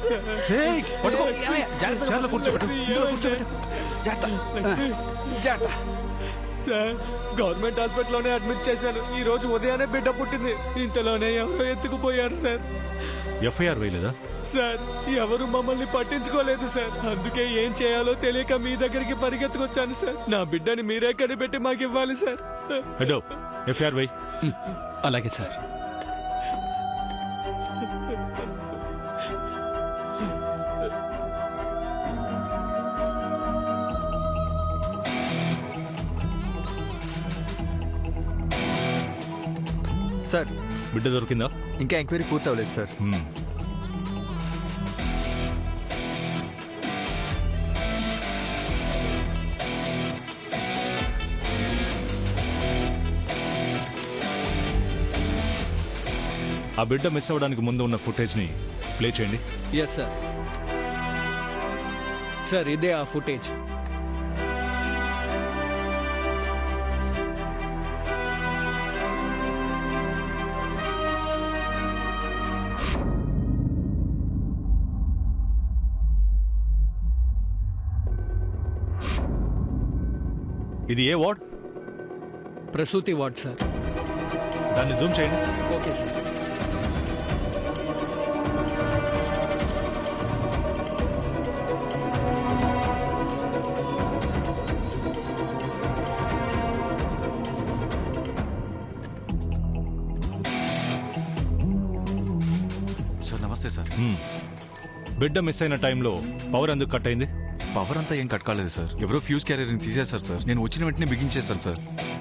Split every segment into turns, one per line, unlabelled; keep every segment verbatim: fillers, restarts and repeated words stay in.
Sir government హాస్పిటల్లోనే admit చేశాను. ఈ రోజు ఉదయాన్నే బిడ్డ పుట్టింది. ఇంతలోనే ఎవరో ఎత్తుకుపోయారు సార్.
ఎఫ్ఐఆర్ వేయలేదా?
సార్ ఎవరు మమ్మల్ని పట్టించుకోలేదు సార్. అందుకే ఏం చేయాలో తెలియక మీ దగ్గరికి పరిగెత్తుకొచ్చాను సార్. నా బిడ్డని మీరే కనిపెట్టి మాకు ఇవ్వాలి సార్.
Hello FIR వేయ్.
అలాగే సార్.
సార్
బిడ్డ దొరికిందా?
ఇంకా ఎంక్వైరీ పూర్తి అవ్వలేదు సార్.
ఆ బిడ్డ మిస్ అవ్వడానికి ముందు ఉన్న ఫుటేజ్ని ప్లే చేయండి.
Yes sir. సార్ ఇదే ఆ ఫుటేజ్.
ఇది ఏ వార్డ్?
ప్రసూతి వార్డ్ సార్.
దాన్ని జూమ్ చేయండి.
Okay sir.
సార్ నమస్తే సార్.
బిడ్డ మిస్ అయిన టైంలో పవర్ ఎందుకు కట్ అయింది?
పవర్ అంతా ఏం కట్ కాలేదు సార్. ఎవరో ఫ్యూజ్ క్యారియర్ని తీసేశారు సార్. నేను వచ్చిన వెంటనే బిగించేశాను సార్.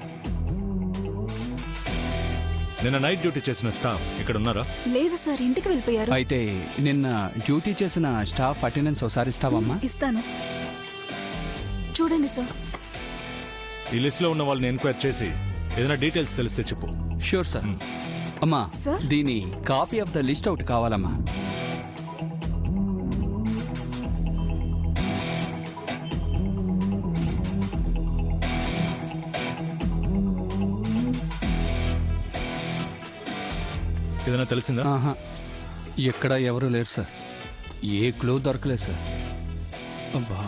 నిన్న నైట్ డ్యూటీ చేసిన స్టాఫ్ ఇక్కడ ఉన్నారా?
లేదు సార్, ఇంటికి వెళ్ళిపోయారు.
అయితే నిన్న డ్యూటీ చేసిన స్టాఫ్ అటెండెన్స్ ఒకసారి ఇస్తావమ్మా?
ఇస్తాను, చూడండి సార్.
ఈ లిస్ట్ లో ఉన్న వాళ్ళని ఎంక్వైరీ చేసి ఏదైనా డీటెయిల్స్ తెలిస్తే చెప్పు.
Sure sir. అమ్మా
సార్?
దీని copy of the list out కావాలమ్మా.
ఏదైనా తెలిసిందా?
ఆహా, ఎక్కడ ఎవరు లేరు సార్. ఏ క్లూ దొరకలేదు సార్. అబ్బా.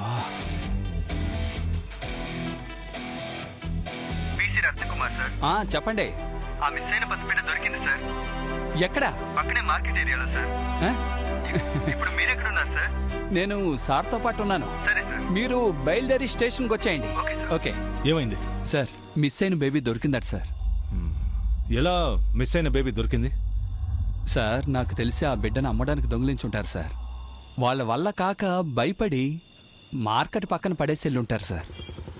BC Ratnakumar sir.
ఆ, చెప్పండి.
ఆ మిస్ అయిన పసిబిడ్డ దొరికింది సార్.
ఎక్కడ?
పక్కనే మార్కెట్ ఏరియాలో సార్.
ఆ?
ఇప్పుడు మీరెక్కడున్నారు సార్?
నేను సార్తో పాటు ఉన్నాను.
సరే సార్.
మీరు బయలుదేరి స్టేషన్కి వచ్చేయండి.
Okay sir.
ఓకే.
ఏమైంది
సార్, మిస్ అయిన బేబీ దొరికిందట సార్.
ఎలా మిస్ అయిన బేబీ దొరికింది?
సార్, నాకు తెలిసి ఆ బిడ్డను అమ్మడానికి దొంగిలించుంటారు సార్. వాళ్ళ వల్ల కాక భయపడి మార్కెట్ పక్కన పడేసి వెళ్ళి ఉంటారు సార్.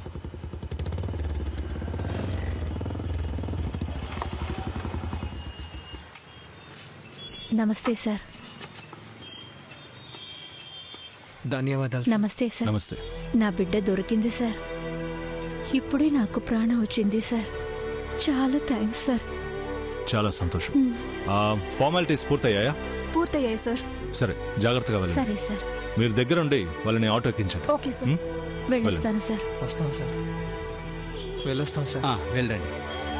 నమస్తే సార్.
ధన్యవాదాలు.
నమస్తే సార్.
నమస్తే.
నా బిడ్డ దొరికింది సార్. ఇప్పుడే నాకు ప్రాణం వచ్చింది సార్. చాలా థ్యాంక్స్ సార్.
చాలా సంతోషం. ఫార్మాలిటీస్ పూర్తయ్యాయా?
పూర్తయ్యాయి సార్.
సరే, జాగ్రత్తగా వెళ్ళండి.
సరే సార్.
మీరు దగ్గరుండి వాళ్ళని ఆటో ఎక్కించండి.
Okay sir. వెళ్ళొస్తాను సార్.
వస్తాం సార్. వెళ్ళొస్తాం సార్. వెళ్ళండి.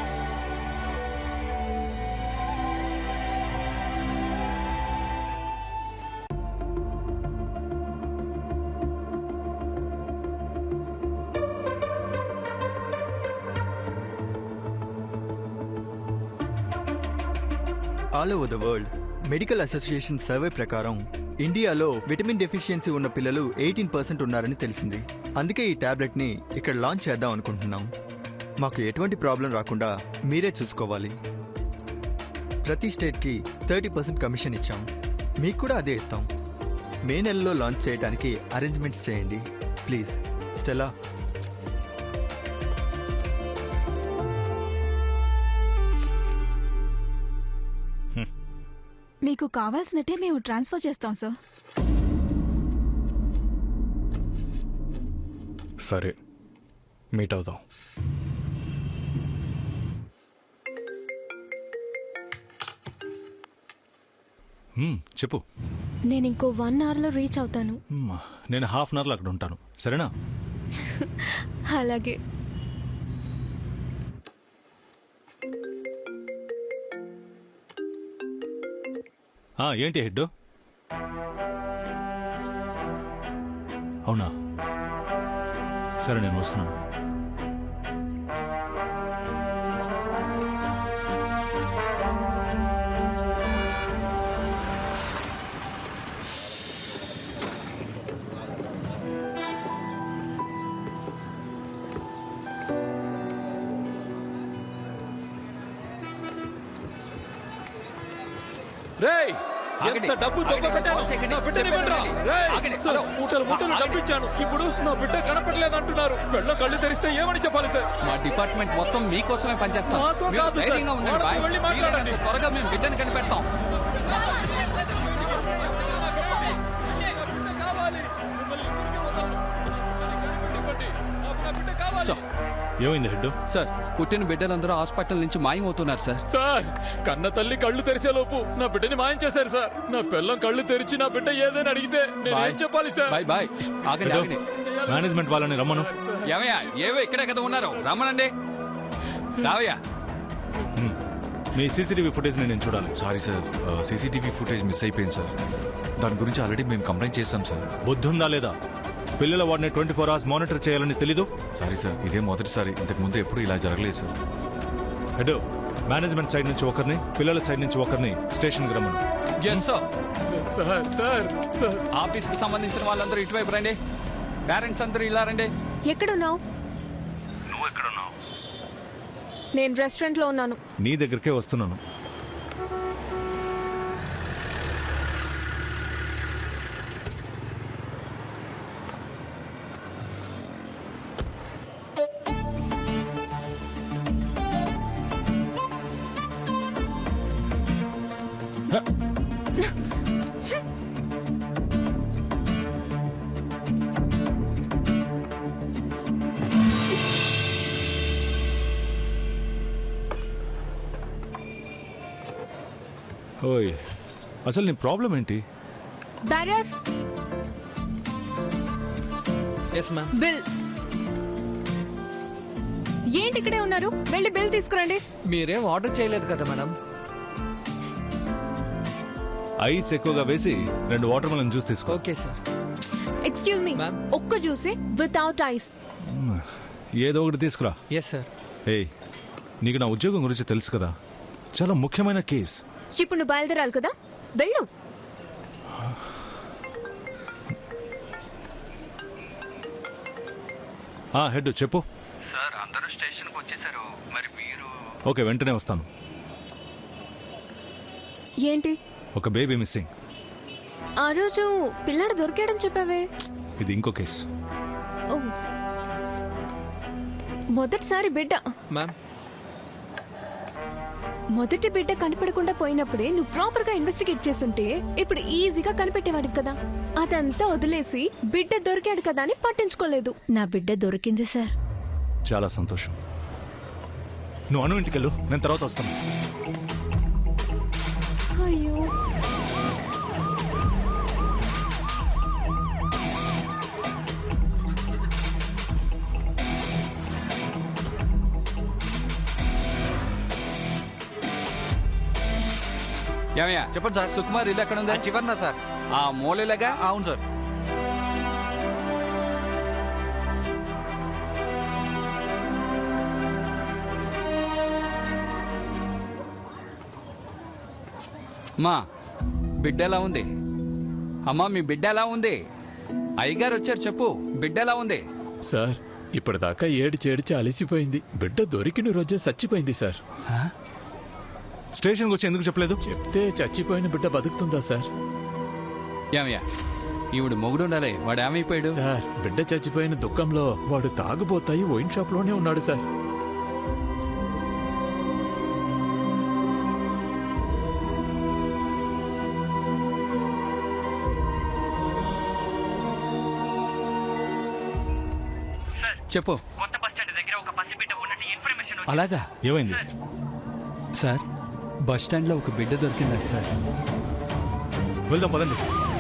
All over the world medical association survey ప్రకారం ఇండియాలో విటమిన్ డెఫిషియన్సీ ఉన్న పిల్లలు ఎయిటీన్ పర్సెంట్ ఉన్నారని తెలిసింది. అందుకే ఈ టాబ్లెట్ని ఇక్కడ లాంచ్ చేద్దాం అనుకుంటున్నాం. మాకు ఎటువంటి ప్రాబ్లం రాకుండా మీరే చూసుకోవాలి. ప్రతి స్టేట్కి థర్టీ పర్సెంట్ కమిషన్ ఇచ్చాం. మీకు కూడా అదే ఇస్తాం. మే నెలలో లాంచ్ చేయడానికి అరేంజ్మెంట్స్ చేయండి ప్లీజ్. స్టెలా.
మీకు కావాల్సినట్టే మేము ట్రాన్స్ఫర్ చేస్తాం సార్.
సరే, మీట్ అవుదాం.
చెప్పు.
నేను ఇంకో వన్ అవర్లో రీచ్ అవుతాను.
నేను హాఫ్ అన్ అవర్లో అక్కడ ఉంటాను, సరేనా?
అలాగే.
ఏంటి హెడ్? అవునా సరే నేను వస్తున్నాను.
రేయ్
ఆగండి.
ఎంత డబ్బు
ఆగండి.
దొంగబెట్టాను.
కాల్ చేయకండి.
నా బిడ్డని
చెప్పండి.
ఇవ్వండిరా. రేయ్,
ఆగండి.
Sir,
hello.
మూటలు మూటలు
ఆగండి.
డబ్బు ఇచ్చాను. ఇప్పుడు నా బిడ్డ కనపడలేదు అంటున్నారు. కళ్ళ కళ్ళు తెరిస్తే ఏమని చెప్పాలి సార్?
మా డిపార్ట్మెంట్ మొత్తం మీకోసమే పనిచేస్తాం.
మాతో
మీరు
కాదు సార్.
ధైర్యంగా ఉండండి
వాళ్ళతో
బాయ్.
వెళ్ళి మాట్లాడండి.
వీలైనంత త్వరగా మేము బిడ్డను కనిపెడతాం. సార్,
ఏమైంది హెడ్?
సార్ పుట్టిన బిడ్డలందరూ హాస్పిటల్ నుంచి మాయమవుతున్నారు సార్.
సార్, కన్న తల్లి కళ్ళు తెరిసే లోపు నా బిడ్డని మాయం చేశారు సార్. నా పిల్లం కళ్ళు తెరిచి నా బిడ్డ ఏదైనా అడిగితే నేను
బాయ్.
ఏం చెప్పాలి సార్?
Boy boy. ఆగండి
హెడ్,
ఆగండి.
మేనేజ్మెంట్ వాళ్ళని రమ్మను.
ఏమయ్యా ఏవో ఇక్కడే కదా ఉన్నారు, రమ్మనండి. రావయ్యా.
మీ సీసీటీవీ ఫుటేజ్ నేను చూడాలి.
Sorry sir, CCTV footage miss అయిపోయింది సార్. దాని గురించి ఆల్రెడీ మేము కంప్లైంట్ చేస్తాం సార్.
బుద్ధి ఉందా లేదా? పిల్లల వాడిని ట్వంటీ ఫోర్ అవర్స్ మానిటర్ చేయాలని తెలీదు?
సారీ సార్, ఇదే మొదటిసారి. ఇంతకు ముందు ఎప్పుడు ఇలా జరగలేదు సార్.
హెడ్, మేనేజ్మెంట్ సైడ్ నుంచి ఒకరిని, పిల్లల సైడ్ నుంచి ఒకరిని స్టేషన్కి రమ్మను.
Yes sir.
Sir sir sir
office కి సంబంధించిన వాళ్ళందరూ ఇటువైపు రండి. పేరెంట్స్ అందరూ ఇలా రండి.
ఎక్కడున్నావు?
నువ్వు ఎక్కడున్నావు?
నేను రెస్టారెంట్ లో ఉన్నాను.
నీ దగ్గరికే వస్తున్నాను. ఓయ్, అసలు నీ ప్రాబ్లం ఏంటి?
Bearer
yes ma'am.
బిల్. ఏంటి ఇక్కడే ఉన్నారు? వెళ్ళి బిల్ తీసుకురండి.
మీరేం ఆర్డర్ చేయలేదు కదా మేడం?
ఐస్ ఎక్కువగా వేసి రెండు వాటర్ మెలన్ జ్యూస్ తీసుకో.
Okay sir.
Excuse me,
Ma'am.
ఒక్క జ్యూసే వితౌట్ ఐస్.
ఏదో ఒకటి తీసుకురా.
Yes sir.
ఏయ్, నీకు నా ఉద్యోగం గురించి తెలుసు కదా, చాలా ముఖ్యమైన కేస్.
ఇప్పుడు నువ్వు బయలుదేరాలి కదా, వెళ్ళు.
ఆ హెడ్ చెప్పు.
సార్, అందరూ స్టేషన్కి వచ్చేసారు. మరి మీరు?
ఓకే, వెంటనే వస్తాను.
ఏంటి
ఒక బేబీ మిస్సింగ్.
ఆ రోజు పిల్లాడు దొరికాడని చెప్పావే?
ఇది ఇంకో కేసు.
ఓ, మొదటిసారి బిడ్డ
మ్యామ్.
మొదటి బిడ్డ కనిపెడకుండా పోయినప్పుడే నువ్వు ప్రాపర్ గా ఇన్వెస్టిగేట్ చేస్తుంటే ఇప్పుడు ఈజీగా కనిపెట్టేవాడివి కదా. అదంతా వదిలేసి బిడ్డ దొరికాడు కదా అని పట్టించుకోలేదు.
నా బిడ్డ దొరికింది సార్.
చాలా సంతోషం. నువ్వు అను ఇంటికి వెళ్ళు, నేను తర్వాత వస్తాను.
అయ్యో,
ఏమయ్యా
చెప్పండి సార్.
సుకుమార్ ఇల్లు ఎక్కడ ఉంది?
చివరినా సార్?
ఆ మూలలాగా.
అవును సార్.
మా బిడ్డ ఎలా ఉంది? అమ్మా మీ బిడ్డ ఎలా ఉంది? అయ్యగారు వచ్చారు, చెప్పు బిడ్డ ఎలా ఉంది?
సార్, ఇప్పటిదాకా ఏడిచి ఏడిచి అలసిపోయింది. బిడ్డ దొరికిన రోజే చచ్చిపోయింది సార్.
స్టేషన్కి వచ్చి ఎందుకు చెప్పలేదు?
చెప్తే చచ్చిపోయిన బిడ్డ బతుకుతుందా సార్?
ఏమయ్యా ఈవిడ మొగుడు ఉండాలి, వాడు ఏమైపోయాడు?
సార్, బిడ్డ చచ్చిపోయిన దుఃఖంలో వాడు తాగుబోతాయి వైన్ షాప్ లోనే ఉన్నాడు సార్.
చెప్పు.
కొత్త బస్ స్టాండ్ దగ్గర ఒక పసిబిడ్డ ఉన్నట్టు ఇన్ఫర్మేషన్ వచ్చింది.
అలాగా
ఏమైంది?
సార్, బస్ స్టాండ్ లో ఒక బిడ్డ దొరికిందంట సార్.
వెళ్దాం పదండి.